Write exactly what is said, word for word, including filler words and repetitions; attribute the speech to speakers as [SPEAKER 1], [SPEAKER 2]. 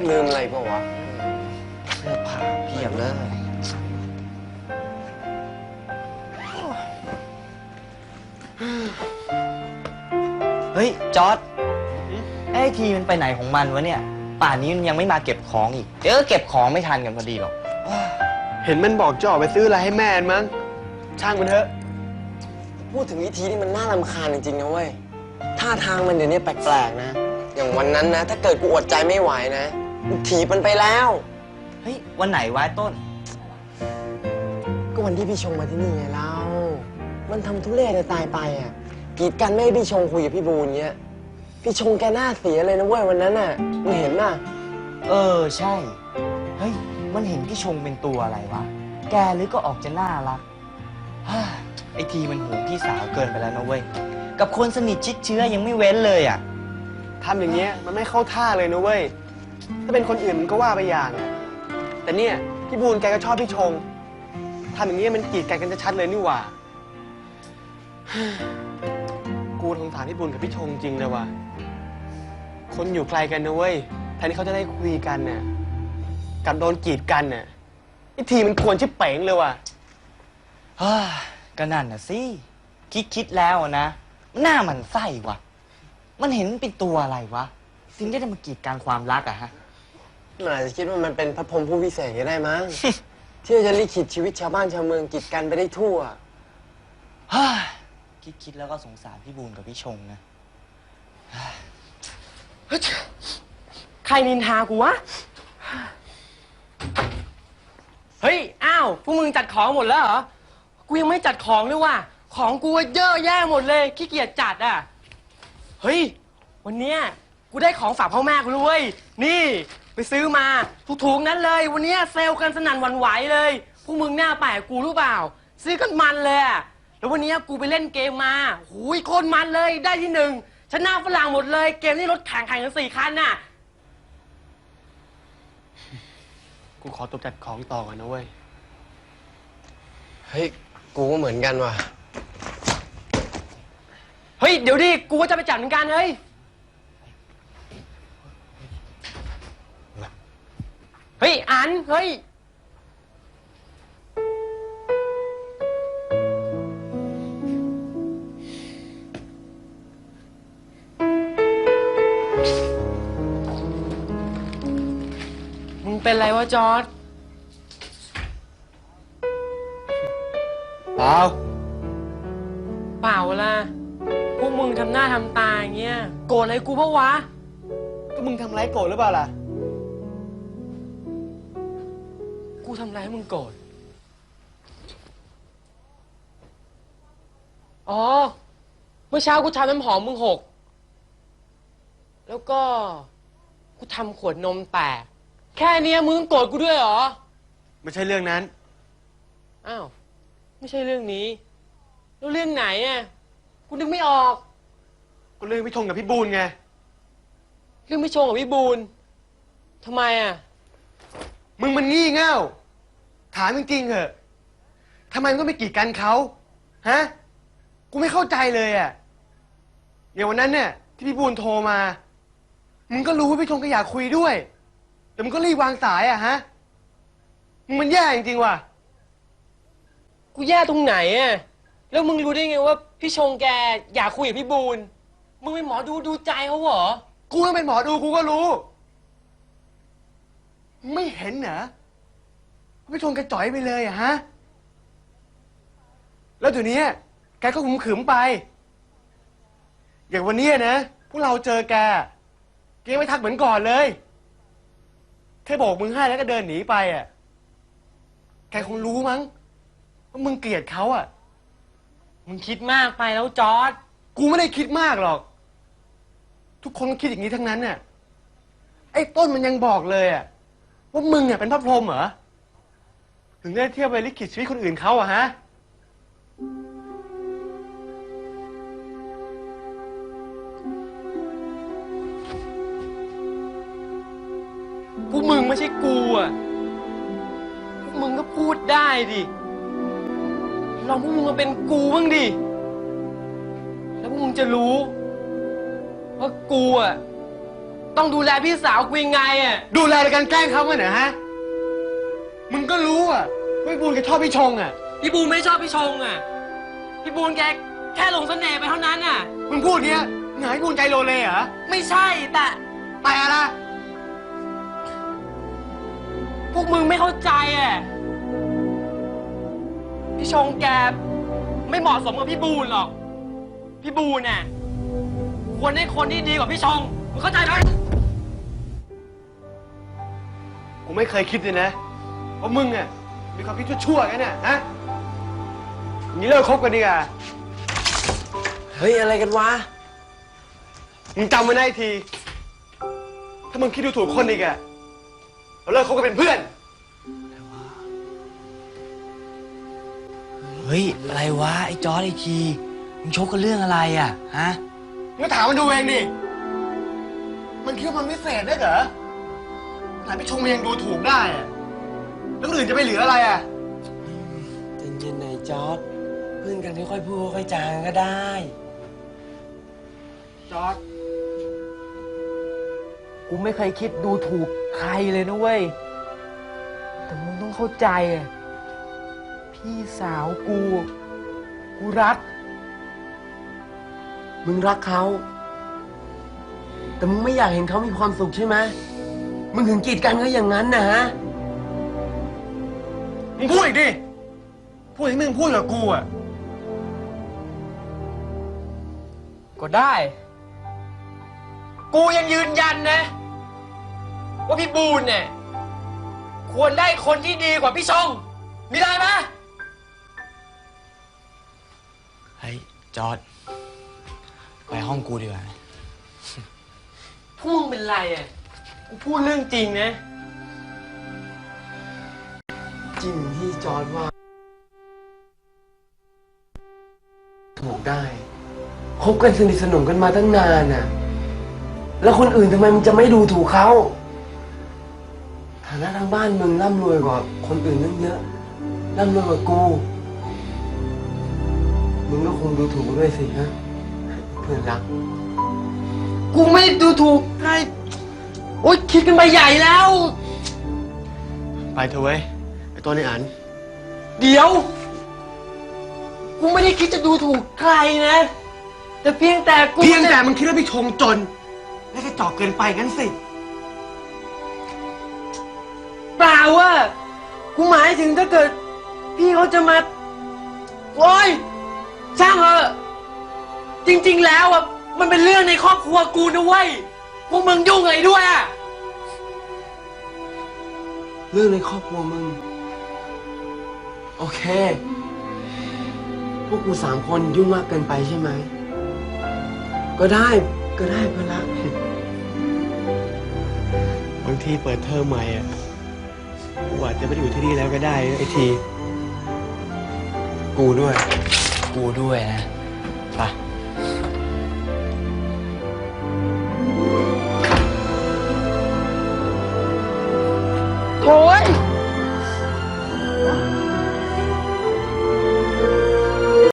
[SPEAKER 1] ลืมอะไรเปล่าวะ
[SPEAKER 2] เสื้อผ้าเพียบเลยเฮ้ยจอร์ดไอ้ทีมันไปไหนของมันวะเนี่ยป่านนี้มันยังไม่มาเก็บของอีกเดี๋ยวก็เก็บของไม่ทันกันพอดีหรอก
[SPEAKER 1] เห็นมันบอกจะออกไปซื้ออะไรให้แม่มั้งช่างมันเถอะ
[SPEAKER 3] พูดถึงวิธีนี่มันน่ารำคาญจริงๆนะเว้ยท่าทางมันเดี๋ยวนี้แปลกๆนะอย่างวันนั้นนะถ้าเกิดกูอดใจไม่ไหวนะกูถีบมันไปแล้ว
[SPEAKER 2] เฮ้ยวันไหนวะต้น
[SPEAKER 3] ก็วันที่พี่ชงมาที่นี่ไงเรามันทำทุเรศตายไปอ่ะกีดกันไม่ให้พี่ชงคุยกับพี่บูนเงี้ยพี่ชงแกหน้าเสียเลยนะเว้ยวันนั้นน่ะมึงเห็นป่ะ
[SPEAKER 2] เออใช่เฮ้ยมันเห็นพี่ชงเป็นตัวอะไรวะแกหรือก็ออกจะน่ารักไอทีมันหูพี่สาวเกินไปแล้วนะเว้ยกับคนสนิทชิดเชื้อยังไม่เว้นเลยอ่ะ
[SPEAKER 1] ทำอย่างเงี้ยมันไม่เข้าท่าเลยนะเว้ยถ้าเป็นคนอื่นมันก็ว่าไปอย่างอ่ะแต่เนี่ยพี่บูนแกก็ชอบพี่ชงทำอย่างเงี้ยมันกีดกันกันชัดเลยนี่หว่ากูสงสารพี่บุญกับพี่ชงจริงเลยว่ะคนอยู่ไกลกันนะเว้ยแทนที่เขาจะได้คุยกันเนี่ยกับโดนกีดกันเนี่ยไอ้ทีมันควรชิบเป๋งเลยว่ะ
[SPEAKER 2] ฮ่าก็นั่นน่ะสิคิดคิดแล้วนะหน้ามันไส้วะมันเห็นเป็นตัวอะไรวะถึงได้มากีดกันความรักอะฮะ
[SPEAKER 3] มันอาจจะคิดว่ามันเป็นพระพรหมผู้พิเศษก็ได้มั้ง ที่จะลิขิตชีวิตชาวบ้านชาวเมืองกีดกันไปได้ทั่ว
[SPEAKER 2] ฮ่าคิดคิดแล้วก็สงสารพี่บูนกับพี่ชงนะ
[SPEAKER 4] ใครนินทากูวะเฮ้ยอ้าวพวกมึงจัดของหมดแล้วเหรอกูยังไม่จัดของเลยว่ะของกูเยอะแยะหมดเลยขี้เกียจจัดอ่ะเฮ้ยวันเนี้ยกูได้ของฝากพ่อแม่กูด้วยนี่ไปซื้อมาถูกๆนั้นเลยวันเนี้ยเซลล์กันสนั่นหวั่นไหวเลยพวกมึงหน้าแปลกกูรู้เปล่าซื้อกันมันเลยอ่ะแล้ววันนี้กูไปเล่นเกมมาหูยโคตรมันเลยได้ที่หนึ่งชนะฝรั่งหมดเลยเกมนี้รถแข่งแข่งกันสี่คันน่ะ
[SPEAKER 1] กูขอตัวจัดของต่อก่อนนะเว้ย
[SPEAKER 3] เฮ้ยกูก็เหมือนกันว่ะ
[SPEAKER 4] เฮ้ยเดี๋ยวดิกูก็จะไปจัดเหมือนกันเฮ้ยเฮ้ยอันเฮ้ยมึงเป็นไรวะจอร์ด
[SPEAKER 1] เปล่า
[SPEAKER 4] เปล่าล่ะพวกมึงทำหน้าทำตาอย่างเงี้ยโกรธอะไรกูเพราะวะ
[SPEAKER 1] ก็มึงทำไรโกรธหรือเปล่าล่ะ
[SPEAKER 4] กูทำอะไรให้มึงโกรธอ๋อเมื่อเช้ากูทำน้ำหอมมึงหกแล้วก็กูทำขวดนมแตกแค่นี้มึงโกรธกูด้วยเหรอ
[SPEAKER 1] ไม่ใช่เรื่องนั้น
[SPEAKER 4] อ้าวไม่ใช่เรื่องนี้แล้วเรื่องไหนอ่ะกูนึกไม่ออก
[SPEAKER 1] ก็เรื่องพี่ชงกับพี่บูนไง
[SPEAKER 4] เรื่องพี่ชงกับพี่บูนทำไมอ่ะ
[SPEAKER 1] มึงมันงี่เง่าถามจริงๆเหอะทำไมมึงก็ไม่กีดกันเขาฮะกูไม่เข้าใจเลยอ่ะอย่างวันนั้นเนี่ยที่พี่บูนโทรมามึงก็รู้ว่าพี่ชงก็อยากคุยด้วยแต่มึงก็รีบวางสายอ่ะฮะมึงมันแย่จริงๆว่ะ
[SPEAKER 4] กูแย่ตรงไหนอ่ะแล้วมึงรู้ได้ไงว่าพี่ชงแกอยากคุยกับพี่บูนมึงเป็นหมอดูดูใจเขาเหรอ
[SPEAKER 1] กูต้องเป็นหมอดูกูก็รู้มึงไม่เห็นเหรอพี่ชงแกจ่อยไปเลยอะฮะแล้วเดี๋ยวนี้แกก็ขุมขืมไปอย่างวันนี้นะพวกเราเจอแกแกไม่ทักเหมือนก่อนเลยแค่บอกมึงให้แล้วก็เดินหนีไปอ่ะแกคงรู้มั้งว่ามึงเกลียดเขาอ่ะ
[SPEAKER 4] มึงคิดมากไปแล้วจอร์ด
[SPEAKER 1] กูไม่ได้คิดมากหรอกทุกคนก็คิดอย่างนี้ทั้งนั้นเนี่ยไอ้ต้นมันยังบอกเลยอ่ะว่ามึงอ่ะเป็นพระพรหมเหรอถึงได้เที่ยวไปลิขิตชีวิตคนอื่นเขาอ่ะฮะ
[SPEAKER 4] พวกมึงไม่ใช่กูอ่ะพวกมึงก็พูดได้ดิลองพวกมึงมาเป็นกูบ้างดิแล้วพวกมึงจะรู้ว่ากูอ่ะต้องดูแลพี่สาวกูยังไงอ่ะ
[SPEAKER 1] ดูแลในการแกล้งเขากันเหรอฮะ มึงก็รู้อ่ะว่าพี่บูนแกชอบพี่ชงอ่ะ
[SPEAKER 4] พี่บูนไม่ชอบพี่ชงอ่ะ พี่บูนแกแค่หลงเสน่ห์ไปเท่านั้นอ่ะ
[SPEAKER 1] มึงพูดเนี้ยหงายบูนใจโลเลเหรอ
[SPEAKER 4] ไม่ใช่แต่
[SPEAKER 1] แต่อะไร
[SPEAKER 4] พวกมึงไม่เข้าใจอ่ะ พี่ชงแกไม่เหมาะสมกับพี่บูนหรอก พี่บูนน่ะควรได้คนที่ดีกว่าพี่ชง มึงเข้าใจไหม
[SPEAKER 1] กูไม่เคยคิดเลยนะว่ามึงอ่ะมีความคิดชั่วๆกันเนี่ยฮะอย่างนี้เลิกคบกันดีกว่า
[SPEAKER 3] เฮ้ย อะไรกันวะ
[SPEAKER 1] มึงจำไว้นะไอ้ที ถ้ามึงคิดดูถูกคนอีกอะเราเลิกคบกันเป็นเพื่อน
[SPEAKER 2] เฮ้ย อะไรวะ ไอ้จอร์ดไอ้ทีมึงชกกันเรื่องอะไรอ่ะ ฮะ
[SPEAKER 1] มึงก็ถามมันดูเองดิ มันคิดว่ามันไม่เศษได้เหรอขนาดพี่ชงมันยังดูถูกได้อะแล้วคนอื่นจะไปเหลืออะไรอะ
[SPEAKER 3] เย็นๆหน่อยจอร์ดเพื่อนกันค่อยๆพูดค่อยๆจางก็ได้
[SPEAKER 4] จอร์ดกูไม่เคยคิดดูถูกใครเลยนะเว้ย แต่มึงต้องเข้าใจอะพี่สาวกู กูรัก
[SPEAKER 3] มึงรักเขา แต่มึงไม่อยากเห็นเขามีความสุขใช่ไหมมึงถึงกีดกันเขาอย่างนั้นนะฮะ
[SPEAKER 1] มึงพูดอีกดิ พูดที่มึงพูดกับกูอะ
[SPEAKER 4] ก็ได้ กูยังยืนยันนะ ว่าพี่บูนเนี่ยควรได้คนที่ดีกว่าพี่ชง มีได้ไหม
[SPEAKER 2] เฮ้ย จอร์ดไปห้องกูดีกว่า
[SPEAKER 4] พวกมึงเป็นไรอ่ะ กูพูดเรื่องจริงนะ
[SPEAKER 3] จริงที่จอร์ดว่า ถูกได้คบกันสนิทสนมกันมาตั้งนานน่ะ แล้วคนอื่นทำไมมึงจะไม่ดูถูกเขาฐานะทางบ้านมึงร่ำรวยกว่าคนอื่นตั้งเยอะร่ำรวยกว่ากู มึงก็คงดูถูกกูด้วยสิฮะเพื่อนรัก
[SPEAKER 4] กูไม่ดูถูกใคร โอ๊ยคิดกันไปใหญ่แล้ว
[SPEAKER 1] ไปเถอะเว้ย ไอ้ตัวในอัน
[SPEAKER 4] เดี๋ยว กูไม่ได้คิดจะดูถูกใครนะ แต่เพียงแต่กู
[SPEAKER 1] เพียงแต่มึงคิดว่าพี่ชงจน และกระจอกเกินไปงั้นสิ
[SPEAKER 4] เปล่าว่า กูหมายถึงถ้าเกิด พี่เขาจะมา โอ๊ย ช่างเถอะ จริง ๆ แล้วอ่ะ มันเป็นเรื่องในครอบครัวกูนะเว้ย พวกมึงยุ่งอะไรด้วยอ่ะ
[SPEAKER 3] เรื่องในครอบครัวมึง โอเค พวกกูสามคนยุ่งมากเกินไปใช่ไหม ก็ได้ก็ได้เพื่อนรัก
[SPEAKER 1] บางทีเปิดเทอมใหม่อะกูอาจจะไม่ได้อยู่ที่นี่แล้วก็ได้ไอ้ที
[SPEAKER 3] กูด้วย
[SPEAKER 2] กูด้วยนะ ไป